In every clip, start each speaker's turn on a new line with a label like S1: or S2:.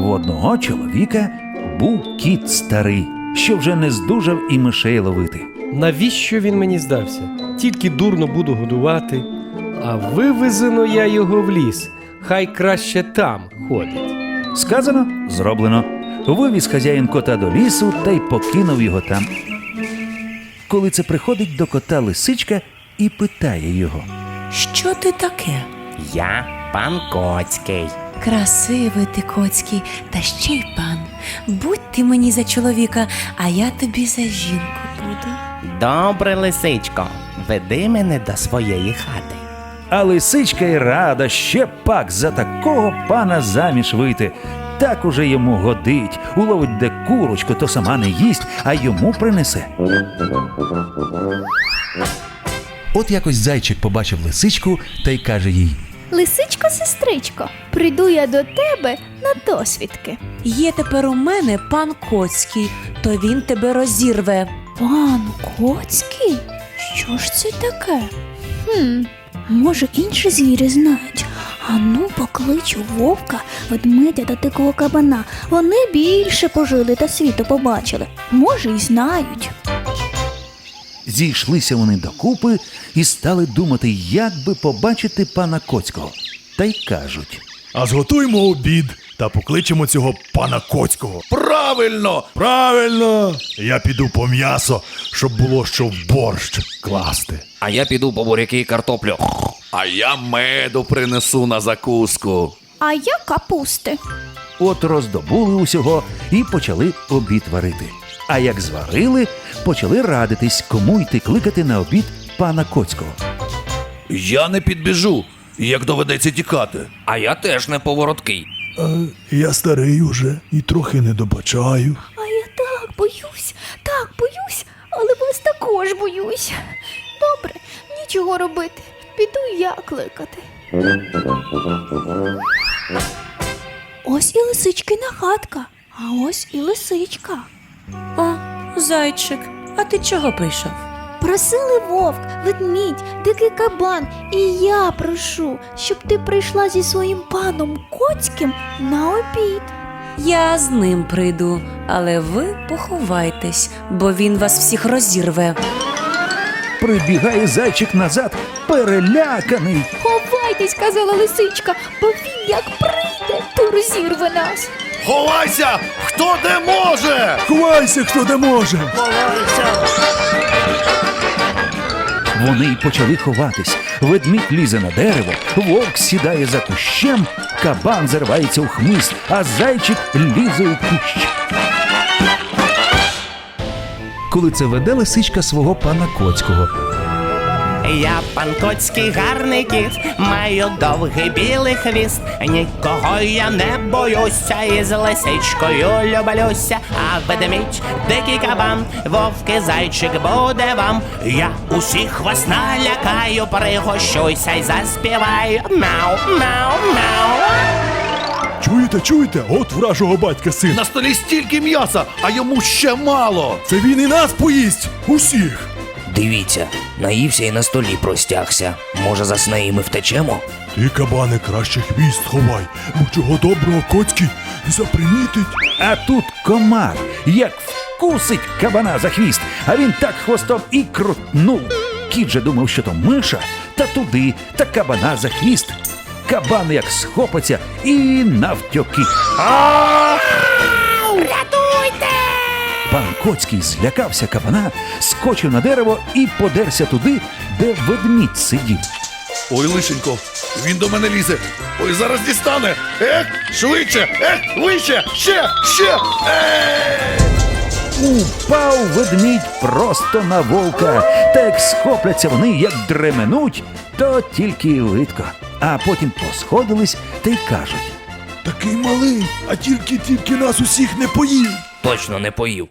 S1: У одного чоловіка був кіт старий, що вже не здужав і мишей ловити.
S2: Навіщо він мені здався? Тільки дурно буду годувати, а вивезено я його в ліс. Хай краще там ходить.
S1: Сказано, зроблено. Вивіз хазяїн кота до лісу та й покинув його там. Коли це приходить до кота лисичка і питає його:
S3: Що ти таке?
S4: Я пан Коцький.
S3: Красивий ти, Коцький, та ще й пан. Будь ти мені за чоловіка, а я тобі за жінку буду.
S4: Добре, лисичко, веди мене до своєї хати.
S1: А лисичка й рада ще пак за такого пана заміж вийти. Так уже йому годить. Уловить де курочку, то сама не їсть, а йому принесе. От якось зайчик побачив лисичку та й каже їй:
S5: Лисичко-сестричко, прийду я до тебе на досвідки.
S3: Є тепер у мене пан Коцький, то він тебе розірве.
S5: Пан Коцький? Що ж це таке? Може, інші звірі знають. Ану, покличу вовка, ведмедя та дикого кабана. Вони більше пожили та світу побачили. Може, й знають.
S1: Зійшлися вони докупи і стали думати, як би побачити пана Коцького. Та й кажуть:
S6: А зготуймо обід та покличемо цього пана Коцького. Правильно! Правильно! Я піду по м'ясо, щоб було що в борщ класти.
S7: А я піду по буряки і картоплю.
S8: А я меду принесу на закуску.
S5: А я капусти.
S1: От роздобули усього і почали обід варити. А як зварили, почали радитись, кому йти кликати на обід пана Коцького.
S8: Я не підбіжу, як доведеться тікати.
S7: А я теж не повороткий.
S6: Я старий уже і трохи не добачаю.
S5: А я так боюсь, але вас також боюсь. Добре, нічого робити. Піду я кликати. Ось і лисичкина хатка, а ось і лисичка.
S3: О, зайчик, а ти чого прийшов?
S5: Просили вовк, ведмідь, дикий кабан, і я прошу, щоб ти прийшла зі своїм паном Коцьким на обід.
S3: Я з ним прийду, але ви поховайтесь, бо він вас всіх розірве.
S1: Прибігає зайчик назад, переляканий.
S5: Ховайтесь, казала лисичка, бо він як прийде, то розірве нас.
S6: Ховайся! Хто де може! Ховайся, хто де може!
S1: Вони й почали ховатись. Ведмідь лізе на дерево, вовк сідає за кущем, кабан заривається у хмиз, а зайчик лізе у кущ. Коли це веде лисичка свого пана Коцького.
S4: Я пан Коцький гарний кіт, маю довгий білий хвіст. Нікого я не боюся, і з лисичкою люблюся. А ведмідь, дикий кабан, вовки, зайчик буде вам. Я усіх вас налякаю, пригощуйся й заспіваю. Мяу, мяу, мяу.
S6: Чуєте? От вражого батька син.
S8: На столі стільки м'яса, а йому ще мало.
S6: Це він і нас поїсть! Усіх!
S7: Дивіться, наївся і на столі простягся. Може, засне і ми втечемо?
S6: Ти, кабане, краще хвіст ховай, бо чого доброго Коцький запримітить.
S1: А тут комар, як вкусить кабана за хвіст, а він так хвостом і крутнув. Кіт же думав, що то миша, та туди, та кабана за хвіст. Кабан як схопиться і навтьоки.
S5: Рятуйте!
S1: Пан Коцький злякався кабана, скочив на дерево і подерся туди, де ведмідь сидів.
S8: Ой, лишенько, він до мене лізе. Ой, зараз дістане. Швидше, вище, ще.
S1: Упав ведмідь просто на вовка, та як схопляться вони, як дременуть, то тільки й видко. А потім посходились та й кажуть:
S6: Такий малий, а тільки нас усіх не поїв.
S7: Точно не поїв.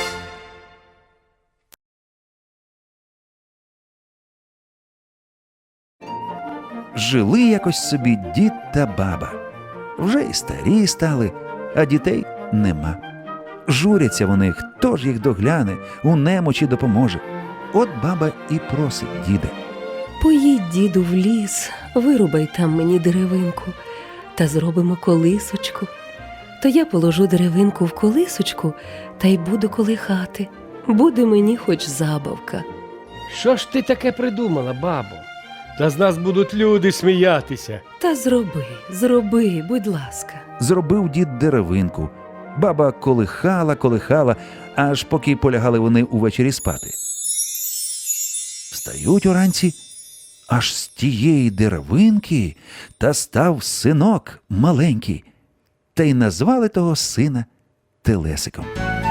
S1: жили якось собі дід та баба. Вже й старі стали, а дітей нема. Журяться вони, хто ж їх догляне, у немочі допоможе. От баба і просить діда:
S9: поїдь, діду, в ліс, вирубай там мені деревинку та зробимо колисочку. то я положу деревинку в колисочку та й буду колихати. Буде мені хоч забавка.
S2: Що ж ти таке придумала, бабо? Та з нас будуть люди сміятися.
S9: Та зроби, будь ласка.
S1: Зробив дід деревинку. Баба колихала, аж поки полягали вони увечері спати. Встають уранці, аж з тієї деревинки та став синок маленький, та й назвали того сина Телесиком.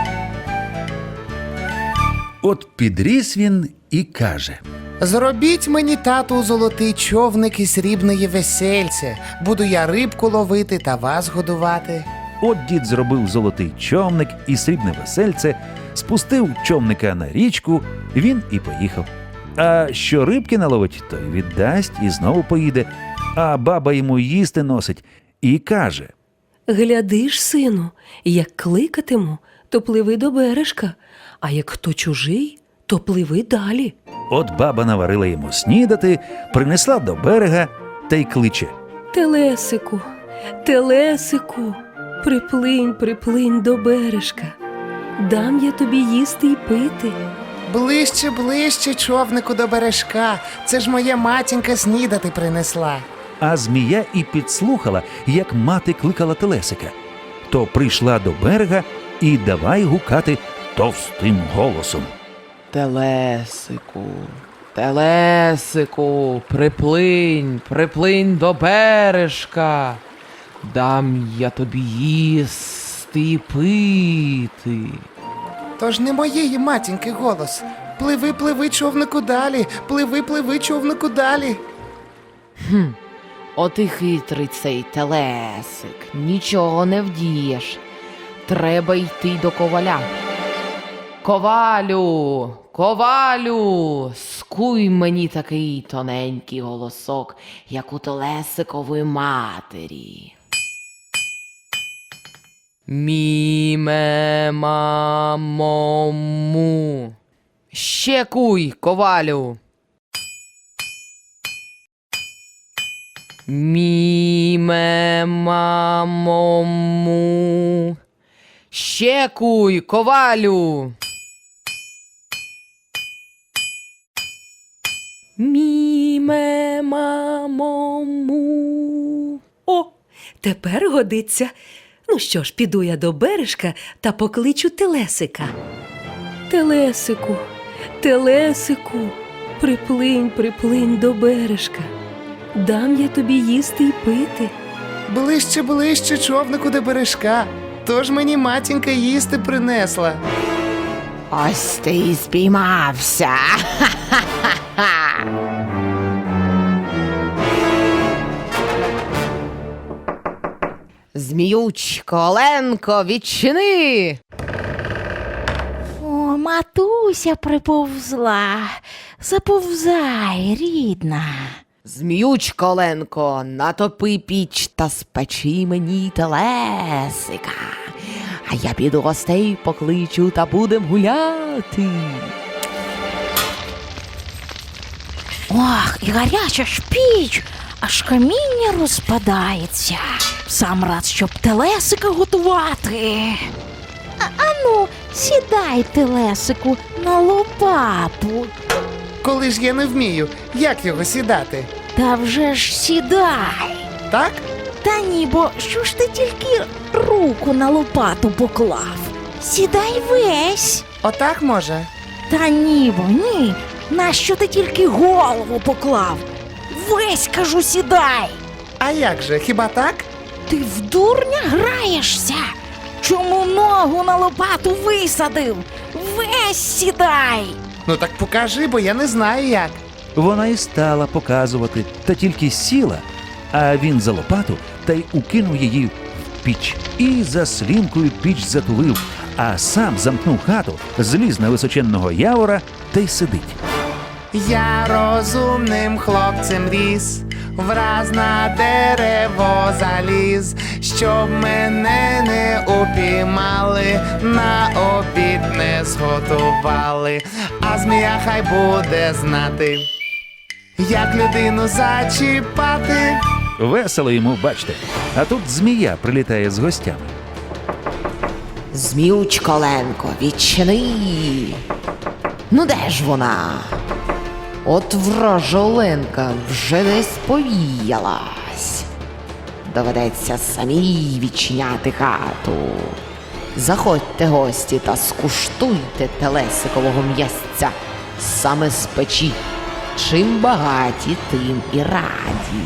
S1: От підріс він і каже:
S4: Зробіть мені, тату, золотий човник і срібної весельце. Буду я рибку ловити та вас годувати.
S1: От дід зробив золотий човник і срібне весельце, спустив човника на річку, він і поїхав. А що рибки наловить, то й віддасть і знову поїде. А баба йому їсти носить і каже:
S9: Глядиш, сину, як кликатиму, то пливи до бережка, а як хто чужий, то пливи далі.
S1: От баба наварила йому снідати, принесла до берега та й кличе:
S9: Телесику, телесику, приплинь до бережка. Дам я тобі їсти й пити.
S4: Ближче, ближче, човнику до бережка. Це ж моя матінка снідати принесла.
S1: А змія і підслухала, як мати кликала Телесика. То прийшла до берега і давай гукати товстим голосом:
S10: Телесику, телесику, приплинь до бережка. Дам я тобі їсти й пити.
S4: Тож не моєї матінки голос. Пливи, пливи, човнику далі. Пливи, човнику далі.
S10: От і хитрий цей телесик, нічого не вдієш. Треба йти до коваля. Ковалю, скуй мені такий тоненький голосок, як у телесикової матері. Мі-ме-ма-мо-му. Ще куй, ковалю. Мі-ме-ма-мо-му. Ще куй, ковалю.
S9: Мі-ме-ма-мо-му. О, тепер годиться. Ну що ж, піду я до бережка та покличу Телесика. Телесику, телесику, приплинь до бережка. Дам я тобі їсти й пити.
S4: Ближче, ближче, човнику до бережка. Тож мені матінка їсти принесла.
S10: Ось ти і спіймався. Зміючко, Оленко, відчини.
S5: О, матуся приповзла. Заповзай, рідна.
S10: Зміючко, Оленко, натопи піч та спечи мені телесика. А я піду гостей покличу та будем гуляти.
S5: Ох, і гаряча ж піч, аж каміння розпадається. Сам рад, щоб телесика готувати. Ану, сідай, телесику, на лопату.
S4: Коли ж я не вмію, як його сідати?
S5: Та вже ж сідай.
S4: Так?
S5: Та ні, бо що ж ти тільки руку на лопату поклав? Сідай весь.
S4: Отак може?
S5: Та ні, бо ні. Нащо ти тільки голову поклав? Весь, кажу, сідай.
S4: А як же, хіба так?
S5: Ти в дурня граєшся? Чому ногу на лопату висадив? Весь сідай.
S4: Ну так покажи, бо я не знаю як.
S1: Вона і стала показувати, та тільки сіла, а він за лопату та й укинув її в піч. І за слінкою піч затулив, а сам замкнув хату, зліз на височенного явора та й сидить.
S4: Я розумним хлопцем ріс, враз на дерево заліз, щоб мене не упіймали, на обід не зготували, а змія хай буде знати, як людину зачіпати.
S1: Весело йому, бачте, а тут змія прилітає з гостями.
S10: Зміючколенко, відчини. Ну де ж вона? От вражоленка вже десь повіялась. Доведеться самій відчиняти хату. Заходьте, гості, та скуштуйте телесикового м'ясця саме з печі. Чим багаті, тим і раді.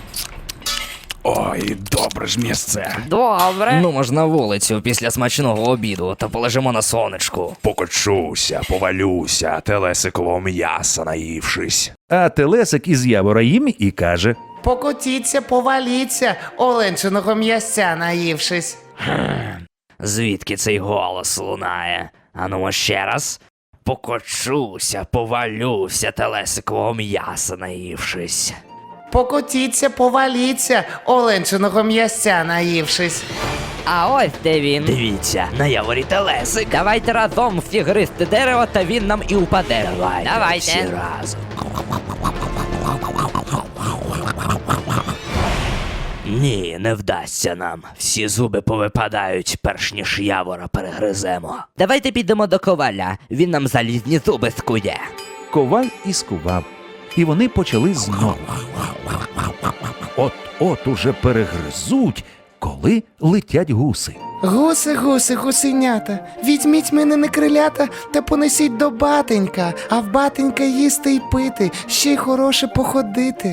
S8: Ой, добре ж місце.
S10: Добре.
S7: Ну, ж на вулицю після смачного обіду та полежимо на сонечку.
S8: Покочуся, повалюся, телесикового м'яса наївшись.
S1: А телесик із явора їм і каже:
S4: Покотіться, поваліться, оленчиного м'ясця наївшись.
S7: Звідки цей голос лунає? Ану ще раз. Покочуся, повалюся, телесикового м'яса наївшись.
S4: Покотіться, поваліться, оленчиного м'ясця наївшись.
S10: А ось де він.
S7: Дивіться, на яворі телесик.
S10: Давайте разом всі гристи дерево, та він нам і упаде.
S7: Давайте. Всі разом. Ні, не вдасться нам. Всі зуби повипадають, перш ніж явора перегриземо.
S10: Давайте підемо до коваля, він нам залізні зуби скує.
S1: коваль і скував, і вони почали знову. От уже перегризуть, коли летять гуси.
S4: Гуси, гуси, гусенята, візьміть мене на крилята та понесіть до батенька, а в батенька їсти й пити, ще й хороше походити.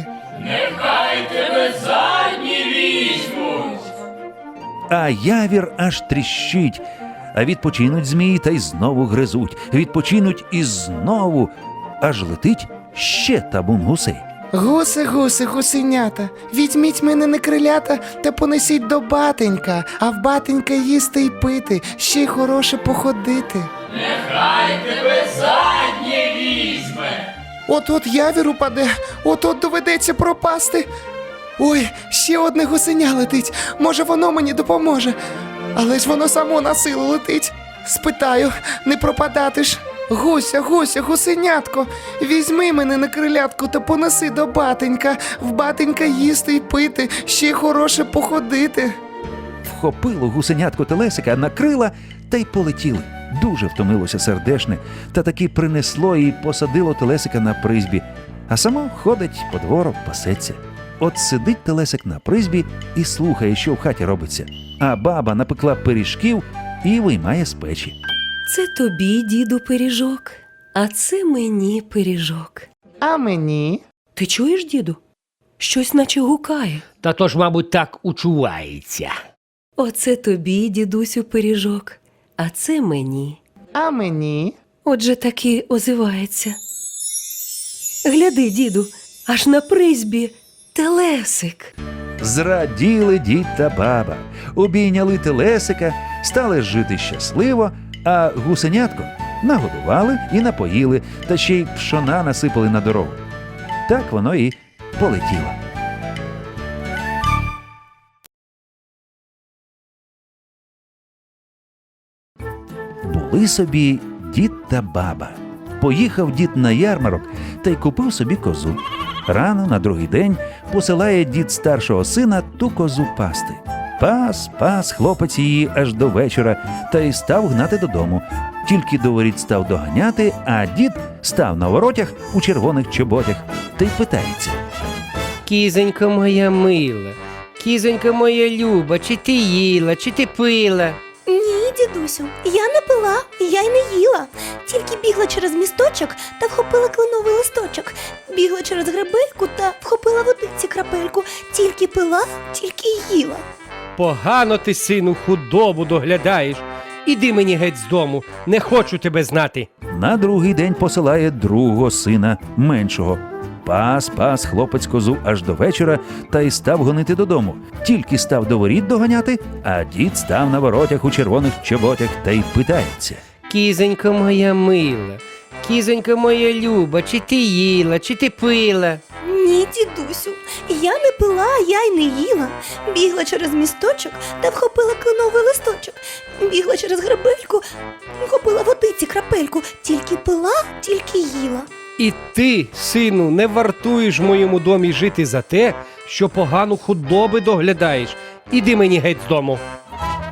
S1: А явір аж тріщить. А відпочинуть змії та й знову гризуть. Відпочинуть і знову. Аж летить ще табун гусей.
S4: Гуси, гуси, гусенята, візьміть мене на крилята та понесіть до батенька, а в батенька їсти й пити, ще й хороше походити. Нехай тебе заднє візьме. От явір упаде, от доведеться пропасти. Ой, ще одне гусеня летить, може воно мені допоможе. Але ж воно само на силу летить. Спитаю, не пропадати ж. Гуся, гуся, гусенятко, візьми мене на крилятку та понеси до батенька, в батенька їсти й пити, ще й хороше походити.
S1: Вхопило гусенятко телесика на крила та й полетіли. Дуже втомилося сердешне, та таки принесло і посадило телесика на призбі, а само ходить по двору, пасеться. От сидить телесик на призбі і слухає, що в хаті робиться, а баба напекла пиріжків і виймає з печі.
S9: Це тобі, діду, пиріжок, а це мені пиріжок.
S4: А мені?
S9: Ти чуєш, діду? Щось наче гукає.
S2: Та то ж, мабуть, так учувається.
S9: Оце тобі, дідусю, пиріжок, а це мені.
S4: А мені?
S9: Отже таки озивається. Гляди, діду, аж на призбі телесик.
S1: Зраділи дід та баба, обійняли телесика, стали жити щасливо, а гусенятко нагодували і напоїли, та ще й пшона насипали на дорогу. Так воно і полетіло. Були собі дід та баба. Поїхав дід на ярмарок та й купив собі козу. Рано на другий день посилає дід старшого сина ту козу пасти. Пас хлопець її аж до вечора та й став гнати додому. Тільки до воріт став доганяти, а дід став на воротях у червоних чоботях та й питається.
S2: Кізонько моя мила, кізонько моя люба, чи ти їла, чи ти пила?
S5: Ні, дідусю, я не пила, я й не їла. Тільки бігла через місточок та вхопила кленовий листочок. Бігла через гребельку та вхопила водиці крапельку. Тільки пила, тільки й їла.
S2: Погано ти, сину, худобу доглядаєш. Іди мені геть з дому, не хочу тебе знати.
S1: На другий день посилає другого сина, меншого. Пас хлопець козу аж до вечора та й став гонити додому. Тільки став до воріт доганяти, а дід став на воротях у червоних чоботях та й питається.
S2: Кізонько моя мила, кізонько моя люба, чи ти їла, чи ти пила?
S5: Ні, дідусю, я не пила, я й не їла. Бігла через місточок та вхопила кленовий листочок. Бігла через гребельку, вхопила водиці крапельку. Тільки пила, тільки їла.
S2: І ти, сину, не вартуєш в моєму домі жити за те, що погано худоби доглядаєш. Іди мені геть з дому.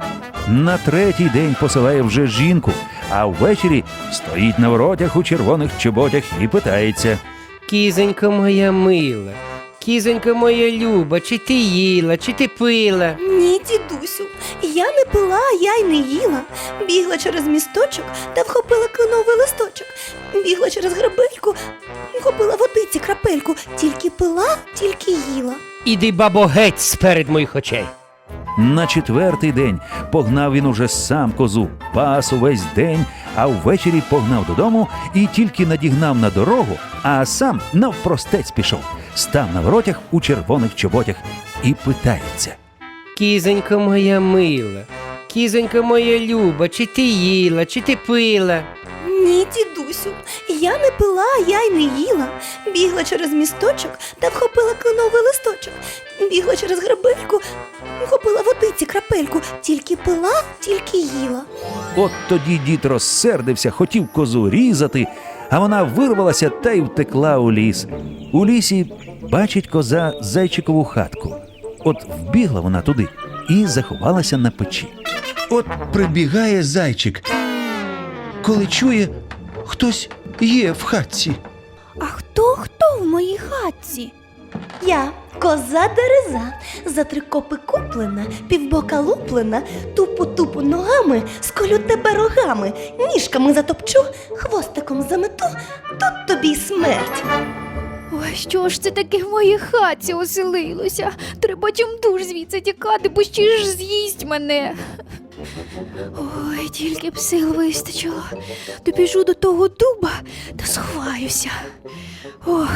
S1: На третій день посилає вже жінку, а ввечері стоїть на воротях у червоних чоботях і питається.
S2: Кізонько моя мила, кізонько моя люба, чи ти їла, чи ти пила?
S3: Ні, дідусю, я не пила, я й не їла. Бігла через місточок та вхопила кленовий листочок. Бігла через гребельку, вхопила водиці крапельку. Тільки пила, тільки їла.
S2: Іди, бабо, геть сперед моїх очей.
S1: На четвертий день погнав він уже сам козу, пас увесь день, а ввечері погнав додому і тільки надігнав на дорогу, а сам навпростець пішов, став на воротях у червоних чоботях і питається.
S2: Кізонько моя мила, кізонько моя люба, чи ти їла, чи ти пила?
S3: Ні, дідусю, я не пила, я й не їла. Бігла через місточок та вхопила кленовий листочок. Бігла через гребельку, вхопила водиці крапельку. Тільки пила, тільки їла.
S1: От тоді дід розсердився, хотів козу різати, а вона вирвалася та й втекла у ліс. У лісі бачить коза зайчикову хатку. От вбігла вона туди і заховалася на печі.
S11: От прибігає зайчик, коли чує, хтось є в хатці.
S5: А хто в моїй хатці?
S3: Я коза дереза, за 3 копи куплена, півбока луплена, тупу-тупу ногами, сколю тебе рогами, ніжками затопчу, хвостиком замету, тут тобі й смерть.
S5: Ой, що ж це таке в моїй хатці оселилося? Треба чимдуж звідси тікати, бо ще ж з'їсть мене. Ой, тільки б сил вистачило. Добіжу до того дуба та сховаюся. Ох.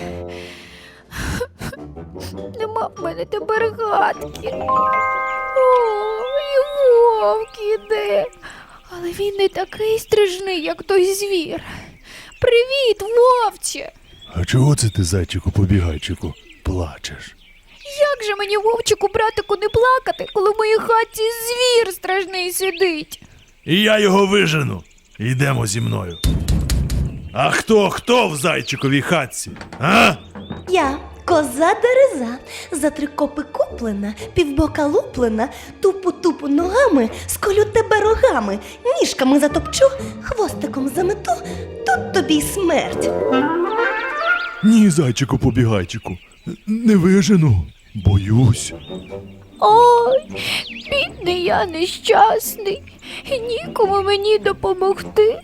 S5: Нема в мене тепер хатки. Ой, і вовк іде. Але він не такий стрижний, як той звір. Привіт, вовче!
S6: А чого це ти, зайчику побігайчику, плачеш?
S5: Як же мені, вовчику, братику, не плакати, коли в моїй хаті звір страшний сидить?
S6: І я його вижену. Йдемо зі мною. А хто в зайчиковій хатці? А?
S3: Я коза дереза, за 3 копи куплена, півбока луплена, тупу-тупу ногами, сколю тебе рогами, ніжками затопчу, хвостиком замету, тут тобі й смерть.
S6: Ні, зайчику побігайчику, не вижену. Боюсь.
S5: Ой, бідний я нещасний, і нікому мені допомогти.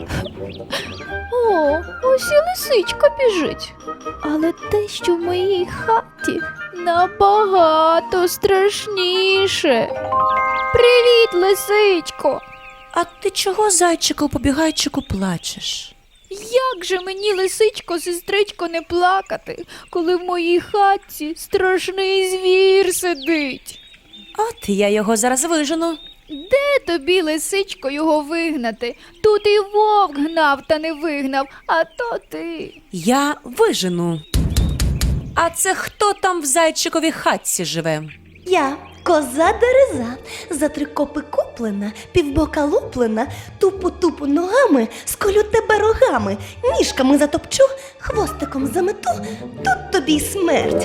S5: О, ось і лисичка біжить. Але те, що в моїй хаті, набагато страшніше. Привіт, лисичко!
S3: А ти чого, зайчику, побігайчику, плачеш?
S5: Як же мені, лисичко, сестричко, не плакати, коли в моїй хатці страшний звір сидить?
S3: От я його зараз вижену.
S5: Де тобі, лисичко, його вигнати? Тут і вовк гнав та не вигнав, а то ти.
S3: Я вижену. А це хто там в зайчиковій хатці живе? Я коза дереза, за 3 копи куплена, півбока луплена, тупу-тупу ногами, сколю тебе рогами, ніжками затопчу, хвостиком замету, тут тобі й смерть.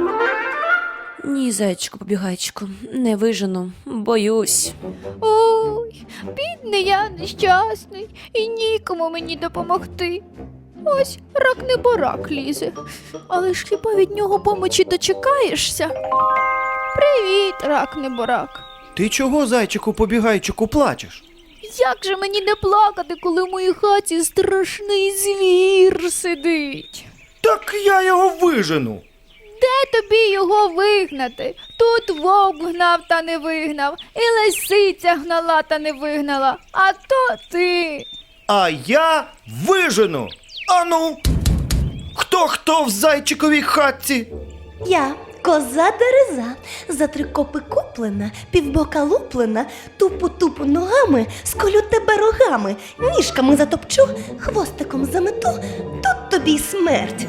S3: Ні, зайчику, побігайчику, не вижену, боюсь.
S5: Ой, бідний я нещасний, і нікому мені допомогти. Ось рак-неборак лізе, але ж хіба від нього помочі дочекаєшся? Привіт, рак-неборак.
S11: Ти чого, зайчику побігайчику, плачеш?
S5: Як же мені не плакати, коли в моїй хаті страшний звір сидить?
S11: Так я його вижену.
S5: Де тобі його вигнати? Тут вовк гнав та не вигнав, і лисиця гнала та не вигнала, а то ти.
S11: А я вижену. Ану, хто в зайчиковій хатці?
S3: Я коза дереза, за 3 копи куплена, півбока луплена, тупу-тупу ногами, сколю тебе рогами, ніжками затопчу, хвостиком замету, тут тобі й смерть.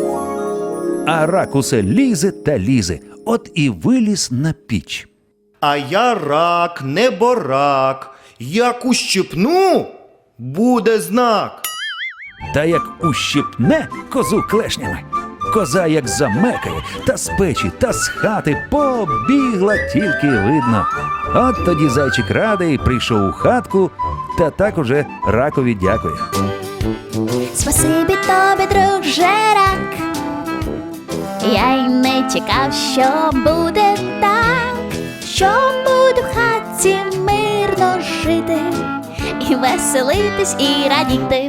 S1: А рак усе лізе та лізе, от і виліз на піч.
S11: А я рак, неборак. Як ущипну, буде знак.
S1: Та як ущипне козу клешнями. Коза як замекає, та з печі, та з хати побігла, тільки видно. От тоді зайчик радий прийшов у хатку, та так уже ракові дякує.
S5: Спасибі тобі, друже рак. Я й не чекав, що буде так, що буду в хатці мирно жити, і веселитись, і радіти.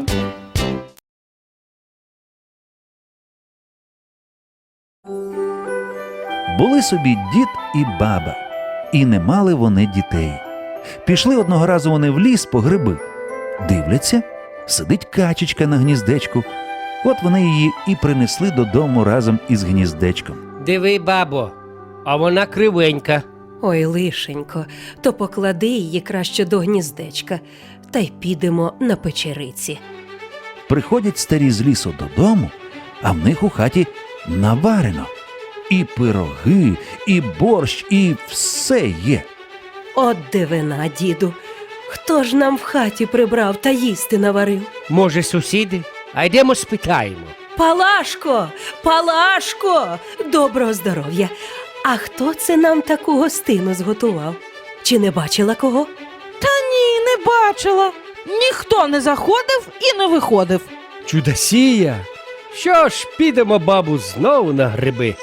S1: Були собі дід і баба, і не мали вони дітей. Пішли одного разу вони в ліс по гриби. Дивляться, сидить качечка на гніздечку. От вони її і принесли додому разом із гніздечком.
S2: Диви, бабо, а вона кривенька.
S9: Ой, лишенько, то поклади її краще до гніздечка, та й підемо на печериці.
S1: Приходять старі з лісу додому, а в них у хаті наварено. І пироги, і борщ, і все є.
S9: От дивина, діду, хто ж нам в хаті прибрав та їсти наварив?
S2: Може, сусіди? А йдемо спитаємо.
S9: Палашко, Палашко, доброго здоров'я. А хто це нам таку гостину зготував? Чи не бачила кого?
S12: Та ні, не бачила. Ніхто не заходив і не виходив.
S2: Чудосія! Що ж, підемо, бабу, знову на гриби.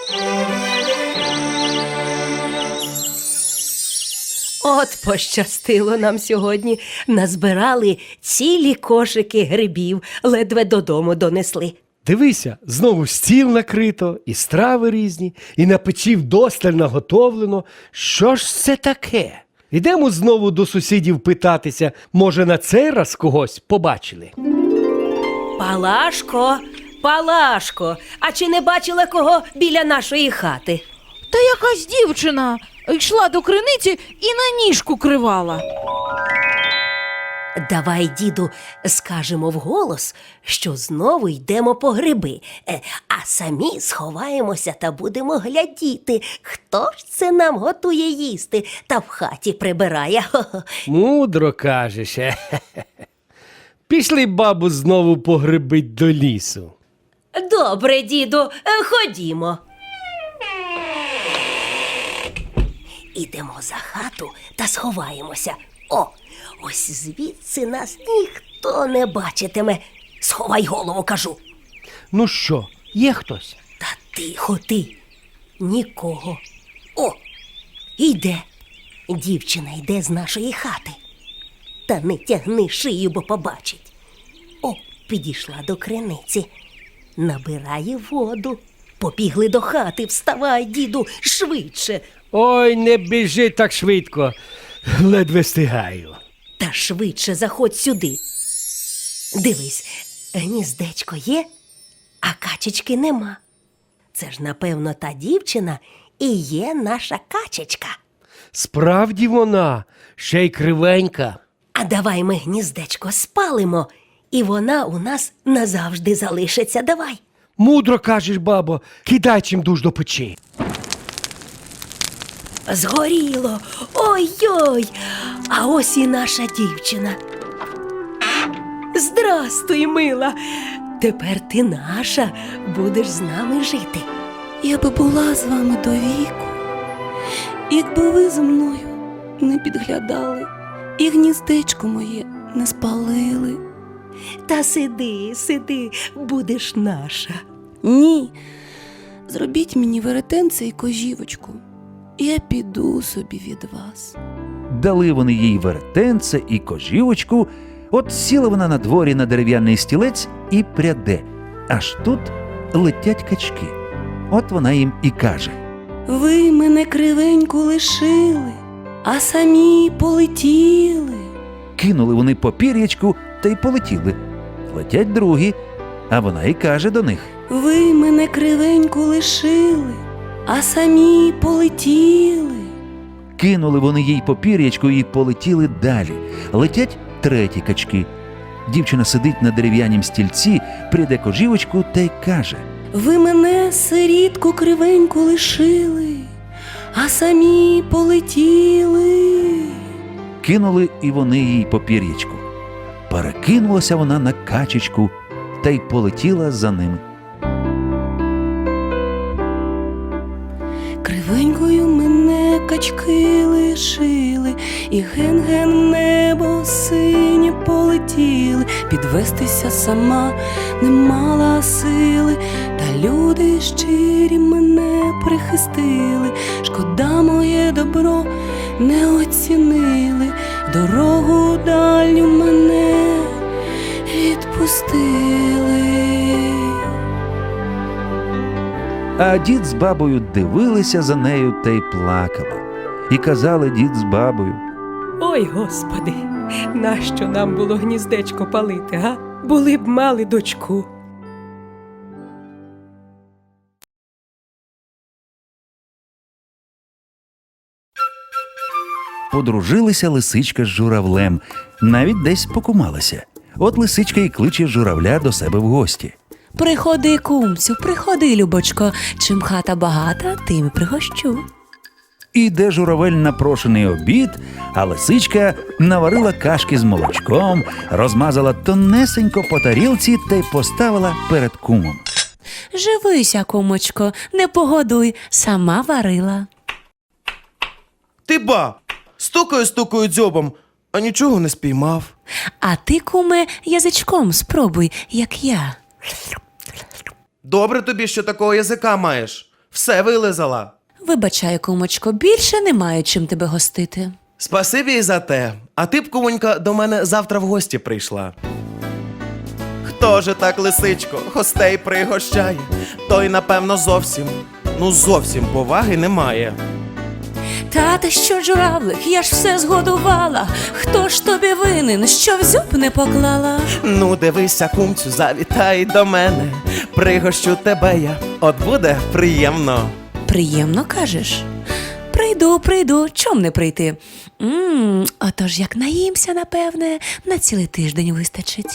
S9: От пощастило нам сьогодні. Назбирали цілі кошики грибів, ледве додому донесли.
S2: Дивися, знову стіл накрито, і страви різні, і на печі вдосталь наготовлено. Що ж це таке? Ідемо знову до сусідів питатися, може, на цей раз когось побачили.
S9: Палашко, Палашко, а чи не бачила кого біля нашої хати?
S12: Та якась дівчина йшла до криниці і на ніжку кривала.
S9: Давай, діду, скажемо вголос, що знову йдемо по гриби, а самі сховаємося та будемо глядіти, хто ж це нам готує їсти та в хаті прибирає. Хо-хо.
S2: Мудро кажеш. Пішли, бабу, знову погребить до лісу.
S9: Добре, діду, ходімо. Ідемо за хату та сховаємося. О, ось звідси нас ніхто не бачитиме. Сховай голову, кажу.
S2: Ну що, є хтось?
S9: Та тихо ти. Нікого. О, йде. Дівчина йде з нашої хати. Та не тягни шию, бо побачить. О, підійшла до криниці. Набирає воду. Побігли до хати. Вставай, діду, швидше.
S2: Ой, не біжи так швидко. Ледве встигаю.
S9: Та швидше заходь сюди. Дивись, гніздечко є, а качечки нема. Це ж, напевно, та дівчина і є наша качечка.
S2: Справді вона, ще й кривенька.
S9: А давай ми гніздечко спалимо, і вона у нас назавжди залишиться. Давай.
S2: Мудро кажеш, бабо, кидай чимдуж до печі.
S9: Згоріло. Ой-ой. А ось і наша дівчина. Здрастуй, мила. Тепер ти наша, будеш з нами жити.
S3: Я би була з вами до віку, якби ви зі мною не підглядали і гніздечко моє не спалили.
S9: Та сиди, сиди, будеш наша.
S3: Ні, зробіть мені веретенце і кожівочку, і я піду собі від вас.
S1: Дали вони їй веретенце і кожівочку, от сіла вона на дворі на дерев'яний стілець і пряде. Аж тут летять качки. От вона їм і каже:
S3: Ви мене кривеньку лишили, а самі полетіли.
S1: кинули вони попір'ячку та й полетіли. Летять другі, а вона і каже до них:
S3: Ви мене кривеньку лишили, а самі полетіли.
S1: кинули вони їй попір'ячку і полетіли далі. Летять треті качки. Дівчина сидить на дерев'янім стільці, пряде кожівочку та й каже:
S3: Ви мене сирітку кривеньку лишили, а самі полетіли.
S1: кинули і вони їй попір'ячку. Перекинулася вона на качечку та й полетіла за ними.
S3: Кривенькою мене качки лишили, і ген-ген в небо синє полетіли. Підвестися сама не мала сили, та люди щирі мене прихистили. Шкода, моє добро не оцінили, в дорогу дальню мене відпустили.
S1: А дід з бабою дивилися за нею та й плакали. І казали дід з бабою:
S9: Ой, Господи, нащо нам було гніздечко палити, га? Були б мали дочку.
S1: Подружилися лисичка з журавлем, навіть десь покумалися. От лисичка і кличе журавля до себе в гості.
S3: Приходи, кумцю, приходи, любочко, чим хата багата, тим і пригощу.
S1: Іде журавель на прошений обід, а лисичка наварила кашки з молочком, розмазала тонесенько по тарілці та й поставила перед кумом.
S3: Живися, кумочко, не погодуй, сама варила.
S11: Ти ба! Стукаю дзьобом, а нічого не спіймав.
S3: А ти, куме, язичком спробуй, як я.
S11: Добре тобі, що такого язика маєш. Все вилизала.
S3: Вибачай, кумочко, більше не маю чим тебе гостити.
S11: Спасибі і за те. А ти б, кумонька, до мене завтра в гості прийшла. Хто же так, лисичко, гостей пригощає? Той, напевно, зовсім поваги немає.
S3: Та ти що, журавлик, я ж все згодувала. Хто ж тобі винен, що в зуб не поклала?
S11: Ну, дивися, кумцю, завітай до мене. Пригощу тебе я, от буде приємно.
S3: Приємно, кажеш? Прийду, чом не прийти? Отож, як наїмся, напевне, на цілий тиждень вистачить.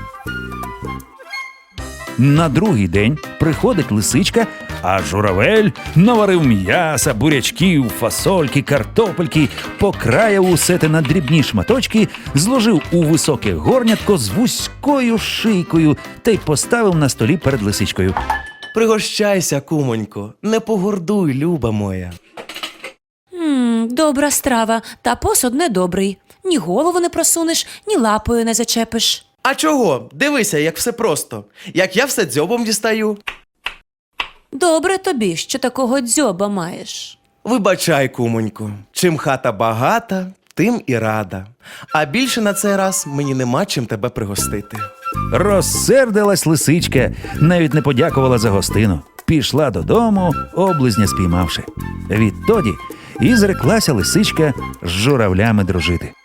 S1: На другий день приходить лисичка, а журавель наварив м'яса, бурячків, фасольки, картопельки, покраяв усе те на дрібні шматочки, зложив у високе горнятко з вузькою шийкою та й поставив на столі перед лисичкою.
S11: Пригощайся, кумонько, не погордуй, люба моя.
S3: Добра страва, та посуд недобрий. Ні голову не просунеш, ні лапою не зачепиш.
S11: А чого? Дивися, як все просто. Як я все дзьобом дістаю.
S3: Добре тобі, що такого дзьоба маєш.
S11: Вибачай, кумонько, чим хата багата, тим і рада. А більше на цей раз мені нема чим тебе пригостити.
S1: Розсердилась лисичка, навіть не подякувала за гостину. Пішла додому, облизня спіймавши. Відтоді і зреклася лисичка з журавлями дружити.